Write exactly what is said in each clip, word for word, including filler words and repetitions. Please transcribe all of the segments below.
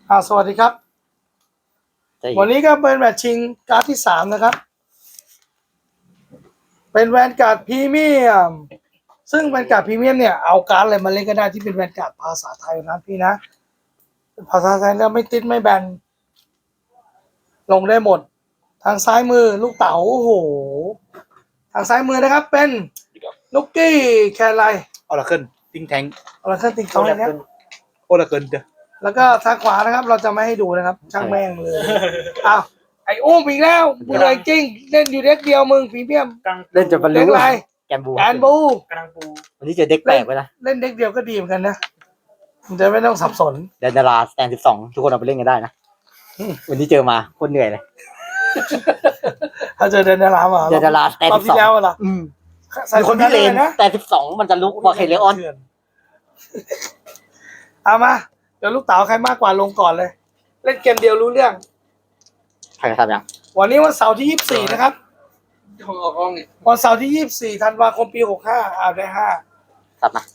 อ่าสวัสดีครับวันนี้ก็เป็นแมตช์ชิงการ์ดที่สามนะครับเป็นแวนการ์ดพรีเมียมซึ่งแวนการ์ดพรีเมียมเนี่ยเอาการ์ดอะไรมาเล่นก็ได้ที่เป็นแวนการ์ดภาษาไทยนะพี่นะภาษาไทยแล้วไม่ติดไม่แบนลงได้หมดทางซ้ายมือลูกเต๋าโอ้โหทางซ้ายมือนะครับเป็นนุกกี้แคร์ไลออราเคิลติงแทงออราเคิลติงเขาเลยเนี่ยโอราเคิลเด้อแล้วก็ทางขวานะครับเราจะไม่ให้ดูนะครับช่างแม่งเลยอ้าวไอ้อุ้มอีกแล้วเบื่อจริงเล่นอยู่เด็กเดียวมึงพรีเมียมเล่นจนบรรลุเด็กอะไรแกนบูแกนบูกำลังบูวันนี้เจอเด็กแปลกไปนะเล่นเด็กเดียวก็ดีเหมือนกันนะมันจะไม่ต้องสับสนเดนดาราสแตนสิบสองทุกคนเอาไปเล่นกันได้นะวันนี้เจอมาโคตรเหนื่อยเลยถ้าเจอเดนดารามาเดนดาราสแตนสิบสองแล้วเหรอมีคนที่เลนนะแต่สิบสองมันจะลุกกว่าเคเลออนเอามาเดี๋ยวลูกเต๋าใครมากกว่าลงก่อนเลยเล่นเกมเดียวรู้เรื่องใครทำยังวันนี้วันเสาร์ที่ยี่สิบสี่นะครับของออกกล้องนี่วันเสาร์ที่ยี่สิบสี่ธันวาคมปีหกห้าอ่าได้ห้าตัดมา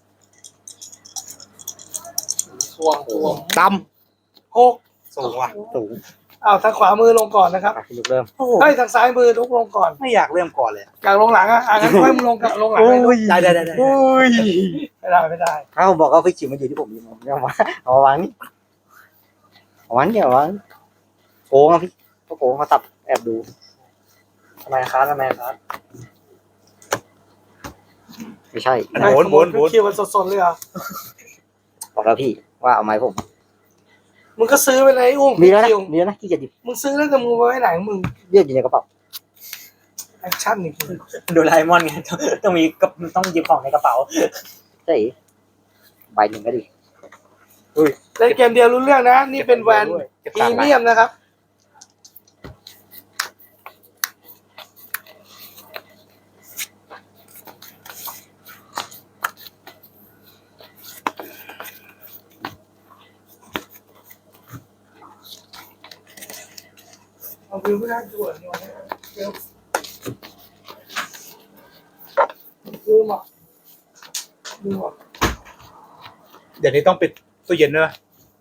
ทวงทวงดำหกสูงว่ะสูงอ้าวทางขวามือลงก่อนนะครับลุกเริ่มเฮ้ยทางซ้ายมือลุกลงก่อนไม่อยากเริ่มก่อนเลยอยากลงหลังอ่ะอ่ะงั้นค่อยมึงลงกับลงหลังได้ได้ได้ได้ไม่ได้ไม่ได้ถ้าผมบอกว่าพี่จิ๋วมันอยู่ที่ผมอยู่ผมเอามาเอาวางนี่เอาวางเนี่ยวางโกงอ่ะพี่เขาโกงเขาตับแอบดูทำไมครับทำไมครับไม่ใช่โหนโหนโหนคิวมันสดๆเลยอ่ะบอกแล้วพี่ว่าเอาไม้ผมมึงก็ซื้อไปเลยอุ้มมีแล้วนะมีแล้วนะที่จะดิบมึงซื้อแล้วจะมึงไว้ไหนมึงเรียกอยู่ในกระเป๋าแอคชั่นนี่โดราเอมอนไงต้องมีก็ต้องหยิบของในกระเป๋าใช่ใบหนึ่งก็ดีเล่นเกมเดียวรู้เรื่องนะนี่เป็นแวนพรีเมียมนะครับเอาวิวไม่ได้ด่วนเนี่ยเดี๋ยวดูมาดูมาเดี๋ยวนี้ต้องปิดตู้เย็นด้วย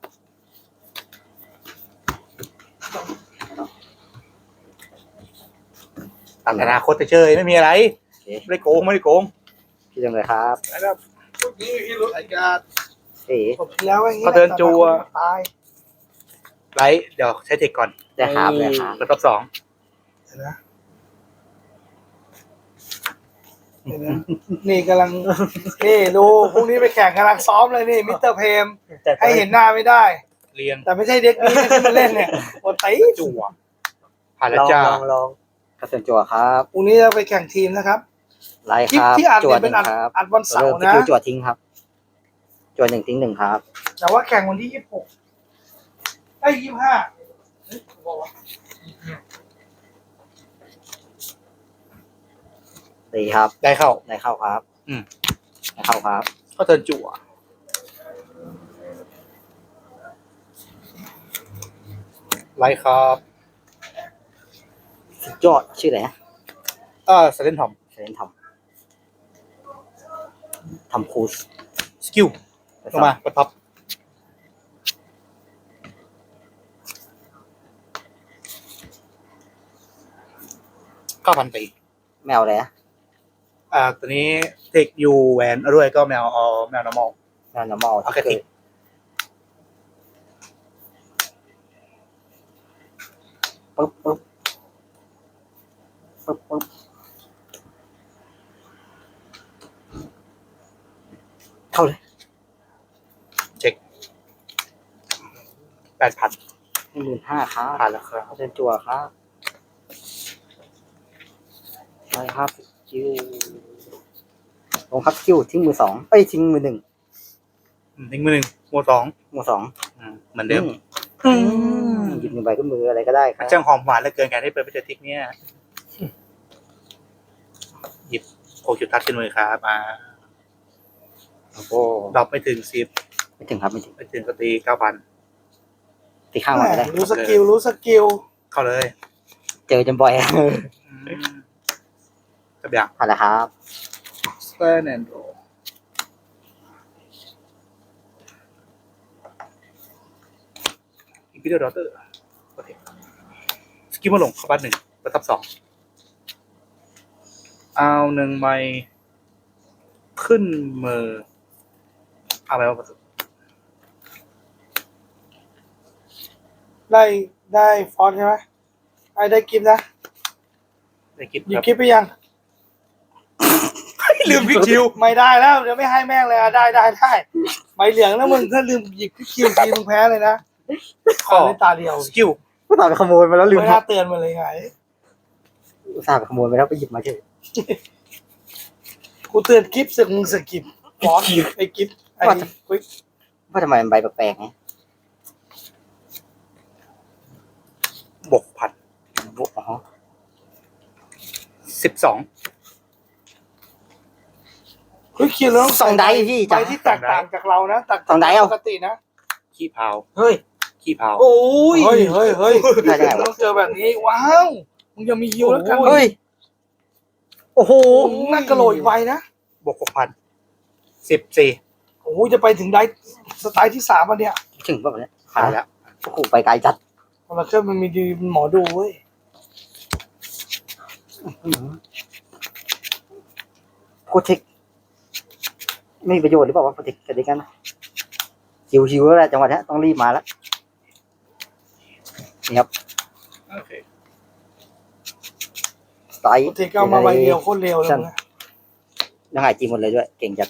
ตัดอนาคตเฉยไม่มีอะไรไม่ได้โกงไม่ได้โกงพี่จังเลยครับนะครับนี่พี่รู้ไอ้การเอ๋ผมแล้วไอ้เขาเดินจัวไลท์เดี๋ยวใช้เทคก่อนได้ครับเลยครับแล้วรอบสองนะนี่กำลังนี่ดูพรุ่งนี้ไปแข่งกำลังซ้อมเลยนี่มิสเตอร์เพมให้เห็นหน้าไม่ได้เรียงแต่ไม่ใช่เด็กนี้ที่มันเล่นเนี่ยโอ้ตีจั่วผ่านแล้วจ้าลองลองกระสุนจั่วครับพรุ่งนี้เราไปแข่งทีมนะครับไลท์ครับที่อัดเป็นอัดอัดวันเสาร์นะจั่วทิ้งครับจั่วหนึ่งทิ้งหนึ่งครับแต่ว่าแข่งวันที่ยี่สิบหกไอ้ยี่สิบห้าดีครับได้เข้าได้เข้าครับอืมได้เข้าครับก็เทิร์นจั่วไลท์ครับสุดยอดชื่ออะไรนะเออเซเลนทอมเซเลนทอมทำคูสสกิลลงมาปัดพับเก้าพันตีแมวอะไรนะอ่าตัวนี้เทคยูแวนด้วยก็แมวเอาแมว normal แมว normal เอาแค่ทิกปึ๊บปึ๊บปึ๊บปึ๊บเข้าเลยเช็คแปดพันหนึ่งหมื่นห้าครับผ่านแล้วครับเชิญจั่วครับไปครับคิวลงครับคิวทิ้งมือสองเอ้ยทิ้งมือหนึ่งทิ้งมือหนึ่งมือสองมือสองเหมือนเดิมหยิบหนึ่งใบก็มืออะไรก็ได้ครับช่างหอมหวานเหลือเกินการได้เปิดไปเจอทิกเนี่ยหยิบโคจุดทัดขึ้นมือครับมาโอ้โหดรอปไม่ถึงสิบไม่ถึงครับไม่ถึงไม่ถึงก็ตีเก้าพันตีข้างมาได้รู้สกิลรู้สกิลเข้าเลยเจอจนบ่อยจะแบบผ่านแล้วครับสแตนแอนด์โรพิเดอร์ดอเตอร์โอเคสกิลมาลงเข้าบ้านหนึ่งประทับสองเอาหนึ่งใบขึ้นมือเอาไปว่าประตูได้ได้ฟอนต์ใช่ไหมไอ้ได้กิฟต์นะได้คิดหยิบครับกิฟต์ไปยังลืมพิกคิวไม่ได้แล้วเดี๋ยวไม่ให้แม่งเลยอ่ะได้ได้ได้ใบเหลืองแล้วมึงถ้าลืมหยิบพิกคิวทีมึงแพ้เลยนะขออ่านในตาเดียวสกิลก็ตามไปขโมยมาแล้วลืมไม่น่าเตือนมาเลยไงอุตส่าห์ไปขโมยไปแล้วไปหยิบมาเฉยกูเตือนกิฟต์สึกมึงสึกกิฟต์ฟอนต์ไอ้กิฟต์ไอ้ควิกว่าทำไมมันใบแปลกๆไงบวกพันอ๋อสิบสองควิกคิวแล้วสองไดพี่ใบจ้ะที่แตกต่างจากเรานะแตกสองไดเอาปกตินะขี้เผาเฮ้ยขี้เผาโอ้ยเฮ้ยเฮ้ยเฮ้ยได้ได้ต้องเจอแบบนี้ว้าวมึงยังมีฮิวแล้วกันเฮ้ย โอ้โหโอ้โหน่ากระโหลกอีกใบนะบวกหกพันสิบสี่โอ้โหจะไปถึงได้สไตล์ที่สามอันเนี้ยถึงป่ะเนี่ยขายแล้วโอ้โหไปไกลจัดคนละเครื่องมันมีดีหมอดูเว้ยโคเทคไม่มีประโยชน์หรือเปล่าวะโคเทคกันดีกันนะหิวหิวแล้วแหละจังหวะนี้ต้องรีบมาแล้วนี่ครับโอเคสไตล์โอเคก็เอามาใบเดียวโคตรเร็วเลยนะยังไงจีหมดเลยด้วย เก่งจัด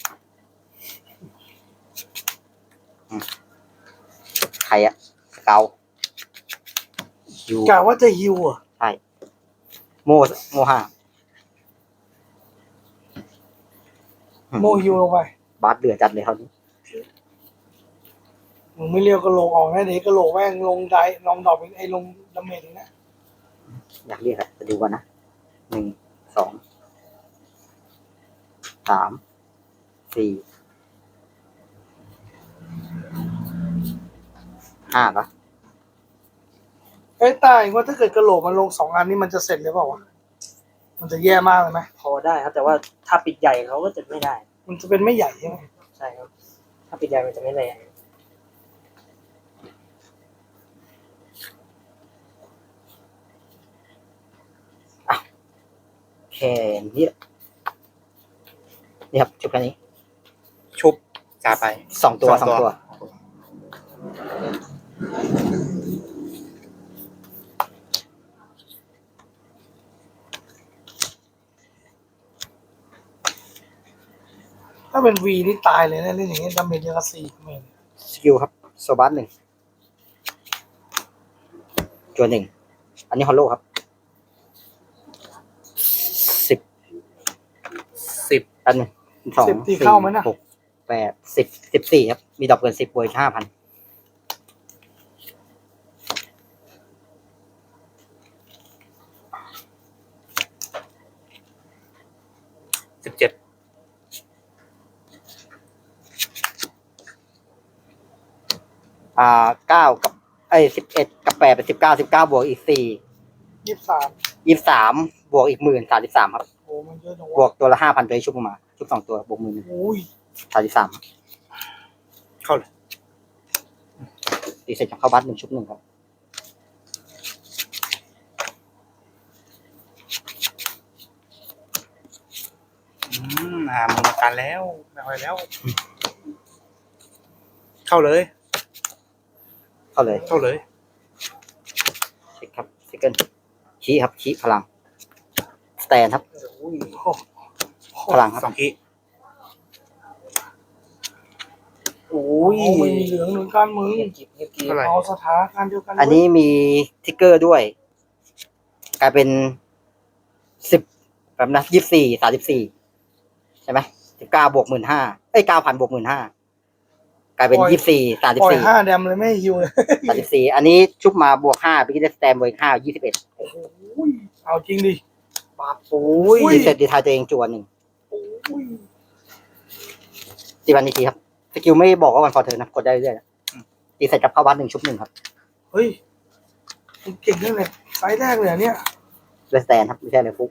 อืมใครอะเกาหิวกะว่าจะฮิวอ่ะใช่โมโมห้าโมฮิวลงไปบาสเดือดจัดเลยเขาวนี้มึงไม่เรียวกระโหลกออกนะเดี๋ยวกระโหลกแม่งลงได้ลองดอกเป็นไอ้ลงดาเมจอีกนะอยากเรียกอะจะดูกันนะหนึ่งสองสามสี่ห้าปะไอ้ยตายว่าถ้าเกิดกระโหลกมันลงสองอันนี้มันจะเสร็จหรือเปล่าวะมันจะแย่มากเลยไหมพอได้ครับ แต่ว่าถ้าปิดใหญ่เขาก็จะไม่ได้มันจะเป็นไม่ใหญ่ใช่ไหมใช่ครับ ถ้าปิดใหญ่มันจะไม่แรงแค่นี้แหละนี่ครับจบแค่นี้ชุบจ่าไปสองตัวสองตัวถ้าเป็นวีนี่ตายเลยนะเล่นอย่างนี้ดาเมจเยอะกว่าสี่เมตรสกิลครับโซบัสหนึ่งจวนหนึ่งอันนี้ฮอลโลครับสิบสิบอันหนึ่งสองสิบตีสี่เข้าไหมนะหกแปดสิบสิบสี่ครับ มีดอกเกินสิบบวกห้าพันสิบเจ็ดอ่าเก้ากับไอ้สิบเอ็ดกับแปดเป็นสิบเก้าสิบเก้าบวกอีกสี่ยี่สิบสามยี่สิบสามบวกอีกหมื่นสามสิบสามครับโอ้มันเยอะจังบววะกตัวละห้าพันตัวที่ชุบออกมา ชุบสองตัวบวกหมื่นโอ้ยสามสิบสามเข้าเลยตีเสร็จจากเข้าบัตหนึ่งชุบหนึ่งครับอืมหามือมากันแล้วไม่ค่อยแล้ว เข้าเลยเข้าเลยเข้าเลยเช็คครับเซคันชี้ครับชี้พลัง สแตนครับโอ้ยพลังครับสองขีโอ้โอ้ยยมันมีเหลืองเหมือนกันมึงเงียบกิบเงียบกิบเท่าไหร่เอาสถานการณ์เดียวกันอันนี้มีทิกเกอร์ด้วย กลายเป็นสิบแบบนะยี่สิบสี่สามสิบสี่ใช่ไหมสิบเก้าบวกหมื่นห้าเอ้ยเก้าพันบวกหมื่นห้ากลายเป็นยี่สิบสี่สามสิปบล่อยสี่ห้าแดมเลยไม่ให้ฮิวเลยสามสิบสี่อันนี้ชุบมาบวกห้าไปกินได้สแตนบวกห้ายี่สิบเอ็ดโอ้โหเอาจริงดิปาปูอุ้ยดีเสร็จดีทายตัวเองจวนหนึ่งโอ้ยตีวันนี้ทีครับสกิลไม่บอกว่าวันฟอร์เธอนะกดได้เรื่อยๆนะตีเสร็จกับเข้าวัดหนึ่งชุบหนึ่งครับเฮ้ยมึงเก่งนั่นเลยไฟล์แรกเลยอะเนี่ยเลสแตนครับไม่ใช่เลยฟุก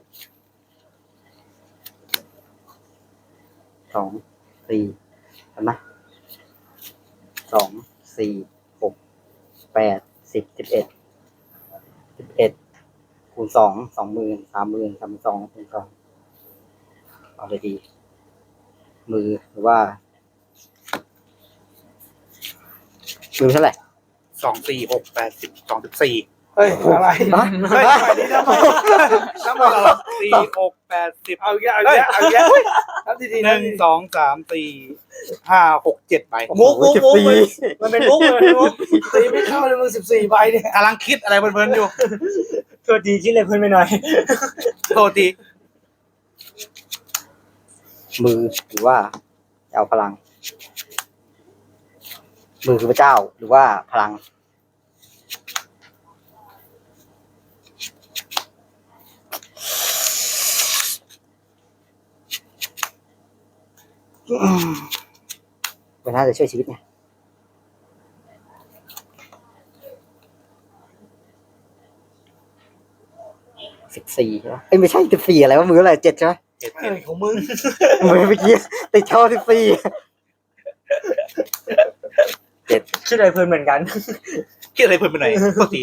สองสี่เห็นไหมสองสี่หกแปแปดสิบสิบเอ็ดสิบเอ็ดคูณสองสองหมื่นสามหมื่นสามสองคูณสองเอาเลยดี มือหรือว่า มือเท่าไหร่สองสี่หกแปดสิบสองสิบสี่เฮ้ยอะไรฮะเฮ้ยทำไมนี่ทำไมทำไมเราสี่หกแปดสิบเอาเยอะเอาเยอะเอาเยอะนับทีทีหนับนึ่งทีสองสามสี่ห้าหกเจ็ดใบมุกมุกมุกมันเป็นมุกมันเป็นมุกตีไม่เข้าเลยมึงสิบสี่ใบเนี่ยกำลังคิดอะไรเพลินๆอยู่ตัวดีคิดเลยเพื่อนไปหน่อยโทษทีมือหรือว่าจะเอาพลัง มือคือพระเจ้าหรือว่าพลัง มันน่าจะช่วยชีวิตไงสิบสี่ใช่ไหมเอ้ยไม่ใช่สิบสี่อะไรวะมืออะไรเจ็ดใช่ไหมเจ็ดเฮ้ยของมึงมือเมื่อกี้ติดช่อสิบสี่เจ็ดคิดเลยเพื่อนเหมือนกันคิดอะไรเพลินไปไหนอยโทษที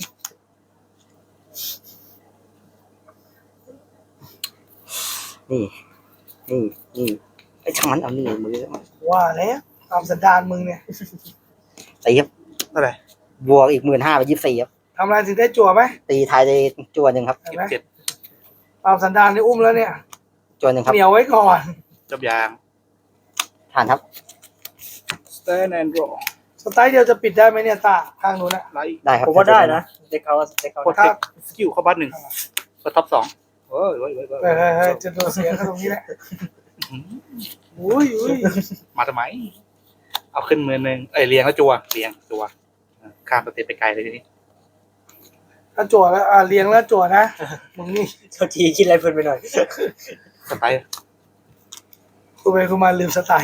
นี่ นี่นี่ไอ้ช่างมันเอานี่มือว่าแล้วตามสันดานมึงเนี่ยตีครับเท่าไหร่บวกอีกหมื่นห้าไปยี่สิบสี่ครับทำอะไรถึงได้จั่วไหมตีไทายได้จวนหนึ่งครับเห็นสิบไหมเจ็ดตามสันดานนี่อุ้มแล้วเนี่ยจวนหนึ่งครับเหนียวไว้ก่อนจบยางผ่านครับ stand and draw สไตล์เดียวจะปิดได้ไหมเนี่ยตาข้างนู้นอะไลท์ได้ครับผมว่าได้นะเด็กเขาเด็กเขากดเทคสกิลเข้าบ้านหนึ่งกดท็อปสองเฮ้ยเฮ้ยเฮ้ยเฮ้ยเฮ้ยเฮ้ยจะโดนเสียกันตรงนี้แหละอุ้ยอุ้ยมาทำไม เอาขึ้นมือหนึ่งเอ้ยเรียงแล้วจัวเรียงจัวข้ามสเต็ปไปไกลเลยทีนี้ถ้าจั่วแล้วอ่าเลี้ยงแล้วจั่วนะมึงนี่ตัวดีคิดอะไรเพื่อนไปหน่อยสไตล์คุยไปคุยมาลืมสไตล์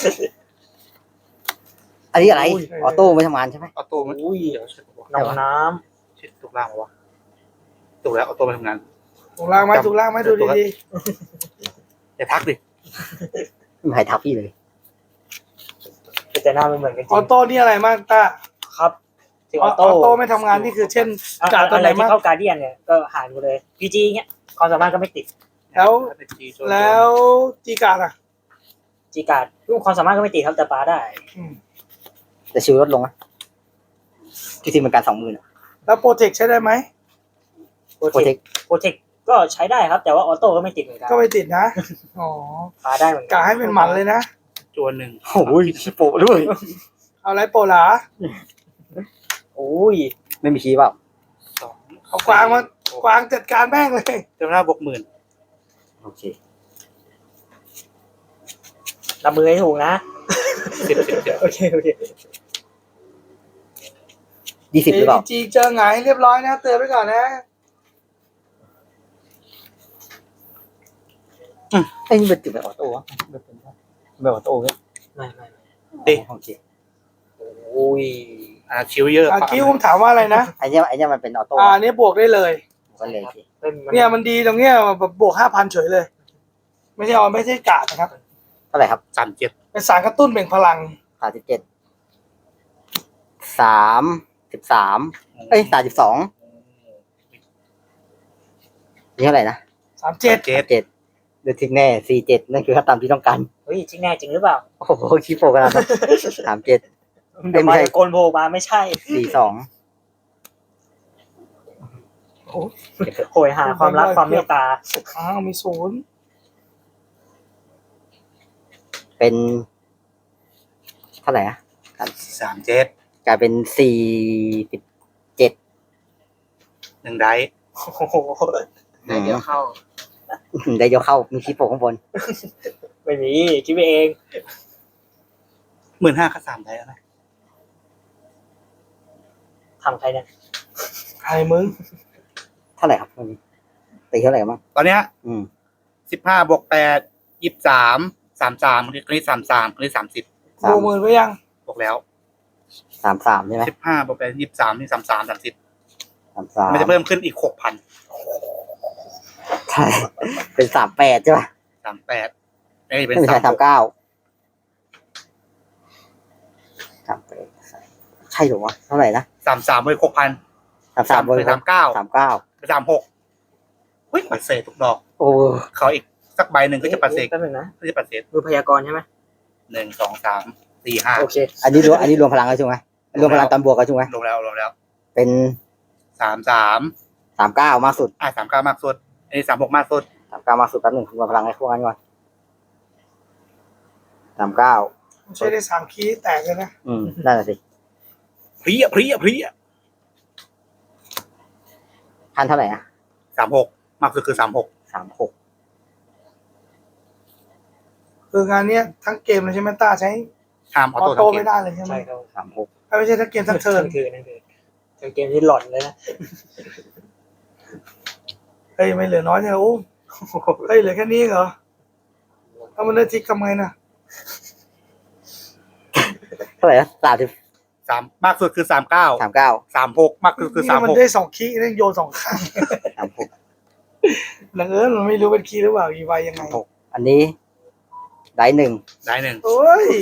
อันนี้อะไรอุ้ยออโต้ไม่ทำงานใช่ไหมออโต้มันอุ้ยเดี๋ยวเช็คบอกน้องน้เช็คถูกล่างมาวะถูกแล้วออโต้มาทำงานถูกล่างไหมถูกล่างไหมดูดีอย่าทักดิไม่มีใครทักพี่เลยำแต่หน้าไม่เหมือนกันๆจอริอง โต้นี่อะไรมากตาครับถึงออออโต้โต้ไม่ทำงานนี่คือเช่นอะการตัวอะไหไรนที่มากเข้าการเดียนเนี่ยก็หายไปเลยพีจีเงี้ยความสามารถก็ไม่ติดแล้ว แล้วจีการ์ดอ่ะจีการ์ดรูปความสามารถก็ไม่ติดครับแต่ปาได้อืมแต่ชิวลดลงนะที่ทีมเป็นการสองหมื่นแล้วโปรเทคใช้ได้ไหมโปรโปรเทเทคคโปรเทคก็ใช้ได้ครับ แต่ว่าออโต้ก็ไม่ติดเหมือนกันก็ไม่ติดนะอ๋อปาได้เหมือนกักะให้เป็นหมันเลยนะจวนหนึ่งโอ้ยชิโปะด้วยเอาอะไรโปรหลาโอ้ยไม่มีคีย์เปล่าสองเอากวางมากวางจัดการแม่งเลยเจ้าหน้าบวกหมื่นโอเครับมือให้ถูกนะสิบสิบสิบโอเคโอเคยี่สิบหรือเปล่าจีเจอหงายเรียบร้อยนะเตือนไว้ก่อนนะไอ้นี่เป็นจุดแบบออโต้วะแบบเป็นแบบออโต้เนี่ยไม่ไม่ไม่ดิโอเคโอ้ยอ่าคิวเยอะอาคิวผมถามว่าอะไรนะไอ้เนี่ยไอ้เนี่ยมันเป็นออโต้อ่าอันนี้บวกได้เลยก็เลยไม่มัเนี่ยมันดีตรงเนี้ยแบบบวกห้าพันเฉยเลย ไม่ใช่เอาไม่ใช่กาดนะครับเท่าไหร่ครับสามเจ็ดเป็นสารกระตุ้นเบ่งพลังสามสิบเจ็ดสามสิบสามเอ้ยสามสิบสองนี่เท่าไหร่นะสามเจ็ดเจ็ดเจ็ดเดือดทิ้งแน่สี่เจ็ดนั่นคือค่าตามที่ต้องการเฮ้ยจริงแน่จริงหรือเปล่าโอ้โหคีโปกันแล้วสามเจ็ดเดี๋ยวมาโกนโผล่มาไม่ใช่สี่สองโหยหาความรักความเมตตาอ้าวมีศูนย์เป็นเท่าไหร่อะสามเจ็ดกลายเป็นสี่สิบเจ็ดหนึ่งไดส์โอ้โหเดี๋ยวเข้าได้เดี๋ยวเข้ามีคีโปข้างบนไม่มีคิดไปเองหมื่นห้าค่าสามไดส์แล้วนะทำใครเนี่ยใครมึงเท่าไหร่ครับวันนี้ตีเท่าไหร่บ้างตอนเนี้ยอืมสิบห้าบวกแปดยี่สิบสามสามสามคนนี้สามสามคนนี้สามสิบสามดูมือไว้ยังบวกแล้วสามสามใช่ไหมสิบห้าบวกแปดยี่สิบสามนี่สามสามสามสิบสามสามมันจะเพิ่มขึ้นอีกหกพันใช่เป็นสามแปดใช่ป่ะสามแปดเอ้ยเป็นไม่ใช่สาสาม มหกเก้าสามแปดใช่เหรอวะเท่าไหร่นะสามสามเว้ยหกพันสามสามเบอร์สามเก้าสามเก้าไปสามหกเฮ้ยปัดเศษทุกดอกโอ้เขาอีกสักใบหนึ่งก็จะปัดเศษแป๊บนึงนะก็จะปัดเศษมือพยากรณ์ใช่ไหมหนึ่งสองสามสี่ห้าโอเคอันนี้รวมอันนี้รวมพลังแล้วใช่ไหมรวมพลังตอนบวกกันใช่ไหมลงแล้วลงแล้วเป็นสามสามสามเก้ามากสุดอ่ะสามเก้ามากสุดอันนี้สามหกมากสุดสามเก้ามากสุดแป๊บหนึ่งรวมพลังให้พวกนั้นก่อนสามเก้าใช้ได้สามคีย์แตกเลยนะอืมนั่นแหละสิเพรียเพรียเพรียพันเท่าไหร่นะสามหกมากสุดคือสามหกสามหกคืองานเนี้ยทั้งเกมเลยใช่ไหมต้าใช้ห้ามออออโต้โต้ทั้งเกไม่มได้เลยใช่ไหมใช่ครับสามหกไม่ใช่ทั้งเกมทั้งเทิร์นนั่นคือนั่นคือเป็นเกมที่หล่อนเลยนะเฮ้ยไม่เหลือน้อยเนี่ยโอ้เฮ้ยเหลือแค่นี้เหรอถ้ามันได้ทิกทำไงน่ะเท่าไหร่นะสามสิบสามมากสุดคือสามเก้าสามเก้าสามหกมากสุดคือสามนี่มันหกได้สองคีย์นั่นโยนสองข้างสามหกหลังเอิญมันไม่รู้เป็นคีย์หรือเปล่าอีไวยังไงหกอันนี้ได้หนึ่งได้หนึ่งโอ้ย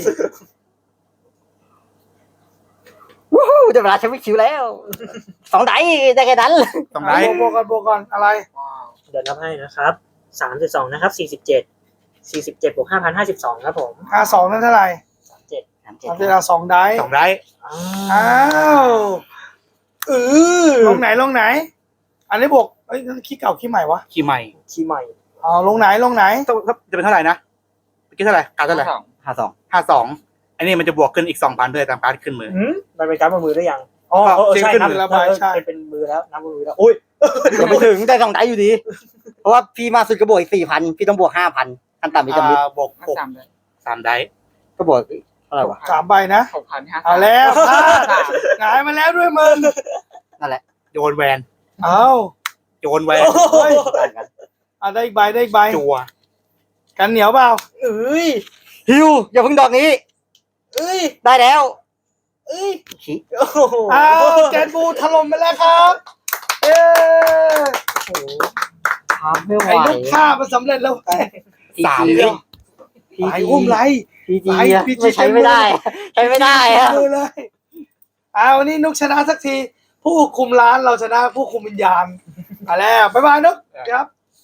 วู้ฮู้ได้เวลาใช้วิคิวแล้วสองไดได้แค่นั้นต้องได้บวกกันบวกกันอะไรเดี๋ยวนับให้นะครับสามสิบสองนะครับสี่สิบเจ็ดสี่สิบเจ็ดบวกห้าพันห้าสิบสองครับผมห้าสองนั่นเท่าไหร่สามเจ็ดสามเจ็ดสามเวลาสองได้สองได้อ้าวเออลงไหนลงไหน อันนี้บวกเอ้ยนั่นคีย์เก่าคีย์ใหม่วะคีย์ใหม่ขี้ใหม่อ๋อลงไหนลงไหนต้องจะเป็นเท่าไหร่นะเมื่อกี้เท่าไหร่การเท่าไหร่ห้าสองห้าสองอันนี้มันจะบวกขึ้นอีกสองพันด้วยตามการดขึ้นมือหืมมันเป็นการบนมือได้ยังอ๋อเออใช่ขึ้นนับมือแล้วเออใช่เป็นเป็นมือแล้วนับบนมือแล้วโอ้ยยังไม่ถึงได้สองไดอยู่ดี เพราะว่าพี่มาสุดก็บวกอีกสี่พันพี่ต้องบวกห้าพันขั้นต่ำอีกจำนิดอ่าบวกหกสามได้ก็บวกเท่าไหร่วะสามใบนะหกพันห้าเอาแล้วพลาดหงายมาแล้วด้วยมึงนั่นแหละโยนแวนเอาโยนแวนเฮ้ยต่างกันอ่ะได้อีกใบได้อีกใบจัวกันเหนียวเปล่าเอ้ยฮิวอย่าเพิ่งดอกนี้เอ้ยได้แล้วเอ้ยขี้โอ้โหอ้าวแกนบูถล่มไปแล้วครับเย้โอ้โหทำไม่ไหวไอ้ลูกฆ่ามันสำเร็จแล้วไอ้สามพีเดีจียวไอ้อุ้มไรพีจีไอ้อะพีจีไม่ใช้ไม่ได้ ใช้ไม่ได้อะดูเลยเอาวันนี้นุกชนะสักที ผู้คุมร้านเราชนะผู้คุมวิญญาณมาแล้วบ๊ายบายนุกครับ